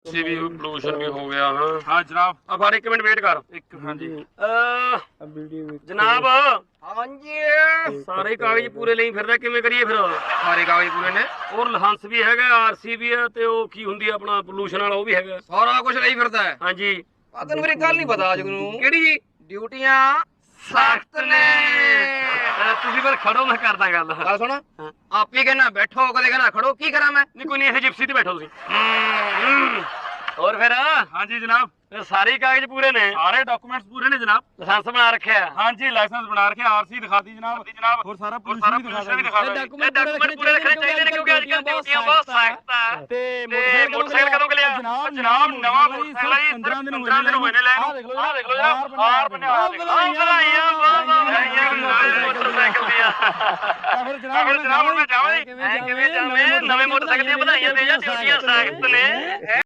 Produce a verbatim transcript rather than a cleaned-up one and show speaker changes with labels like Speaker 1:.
Speaker 1: ਸੀ ਵੀ pollution ਵੀ ਹੋ ਗਿਆ ਹਾਂ
Speaker 2: ਹਾਂ ਜਨਾਬ।
Speaker 1: ਆ ਫੜ ਇੱਕ ਮਿੰਟ ਵੇਟ ਕਰ
Speaker 2: ਇੱਕ ਹਾਂਜੀ
Speaker 1: ਅਹ ਜਨਾਬ
Speaker 3: ਹਾਂਜੀ
Speaker 1: ਸਾਰੇ ਕਾਗਜ਼ ਪੂਰੇ ਲਈ ਫਿਰਦਾ ਕਿਵੇਂ ਕਰੀਏ ਫਿਰ
Speaker 3: ਸਾਰੇ ਕਾਗਜ਼ ਪੂਰੇ ਨੇ,
Speaker 1: ਔਰ ਲਾਇਸੈਂਸ ਵੀ ਹੈਗਾ ਆਰਸੀ ਵੀ ਹੈ ਤੇ ਉਹ ਕੀ ਹੁੰਦੀ ਆ ਆਪਣਾ ਪੋਲੂਸ਼ਨ ਵਾਲਾ ਉਹ ਵੀ ਹੈਗਾ
Speaker 3: ਸਾਰਾ ਕੁਝ ਲਈ ਫਿਰਦਾ ਹੈ।
Speaker 1: ਹਾਂਜੀ
Speaker 3: ਆ ਤੈਨੂੰ ਮੇਰੀ ਗੱਲ ਨਹੀਂ ਪਤਾ ਅੱਜ ਨੂੰ।
Speaker 1: ਕਿਹੜੀ ਜੀ
Speaker 3: ਡਿਊਟੀਆਂ ਸਖਤ ਨੇ।
Speaker 1: ਅਹ ਤੁਸੀਂ ਫਿਰ ਖੜੋ ਮੈਂ ਕਰਦਾ ਗੱਲ
Speaker 3: ਗੱਲ ਸੁਣ, ਆਪੀ ਕਹਿੰਦਾ ਬੈਠੋ, ਕਦੇ ਕਹਿੰਦਾ ਖੜੋ, ਕੀ ਕਰਾਂ ਮੈਂ?
Speaker 1: ਨਹੀਂ ਕੋਈ ਨਹੀਂ ਇਹ ਜਿਪਸੀ ਤੇ ਬੈਠੋ ਤੁਸੀਂ ਹੋਰ ਫਿਰ
Speaker 2: ਹਾਂਜੀ ਜਨਾਬ।
Speaker 1: ਇਹ ਸਾਰੇ ਕਾਗਜ਼ ਪੂਰੇ ਨੇ
Speaker 2: ਸਾਰੇ ਡਾਕੂਮੈਂਟਸ ਪੂਰੇ ਨੇ ਜਨਾਬ।
Speaker 1: ਲਾਇਸੈਂਸ ਬਣਾ ਰੱਖਿਆ
Speaker 2: ਹਾਂਜੀ ਲਾਇਸੈਂਸ ਬਣਾ ਰੱਖਿਆ, ਆਰਸੀ ਦਿਖਾਤੀ ਜਨਾਬ ਜਨਾਬ ਹੋਰ ਸਾਰਾ ਪੋਲੂਸ਼ਨ ਵੀ ਦਿਖਾ
Speaker 1: ਇਹ ਡਾਕੂਮੈਂਟ ਪੂਰੇ ਰੱਖਣੇ ਚਾਹੀਦੇ ਨੇ ਕਿਉਂਕਿ ਅੱਜ ਕੱਲ੍ਹ ਡਿਊਟੀਆਂ ਬਹੁਤ ਸਖਤ ਆ
Speaker 2: ਤੇ
Speaker 1: ਮੋਟਰਸਾਈਕਲ ਕਦੋਂ ਲਿਆ
Speaker 2: ਜਨਾਬ ਜਨਾਬ ਨਵਾਂ ਮੋਟਰਸਾਈਕਲ ਜੀ
Speaker 1: ਪੰਦਰਾਂ ਦਿਨ ਹੋਏ ਨੇ ਲੈਣ ਨੂੰ ਆਹ ਦੇਖ ਲਓ ਜਨਾਬ ਹਾਰ ਬਣਿਆ ਆਹ ਵਧਾਈਆਂ ਵਾਹ ਵਾਹ ਵਧਾਈਆਂ ਮੋਟਰਸਾਈਕਲ ਦੀਆਂ
Speaker 2: ਫਿਰ ਜਨਾਬ
Speaker 1: ਜਨਾਬ ਮੈਂ ਜਾਵਾਂ ਕਿਵੇਂ ਜਾਵੇਂ ਨਵੇਂ ਮੋਟਰਸਾਈਕਲ ਦੀਆਂ ਵਧਾਈਆਂ ਦੇ ਜਾਂ ਡਿਊਟੀਆਂ ਸਖਤ ਨੇ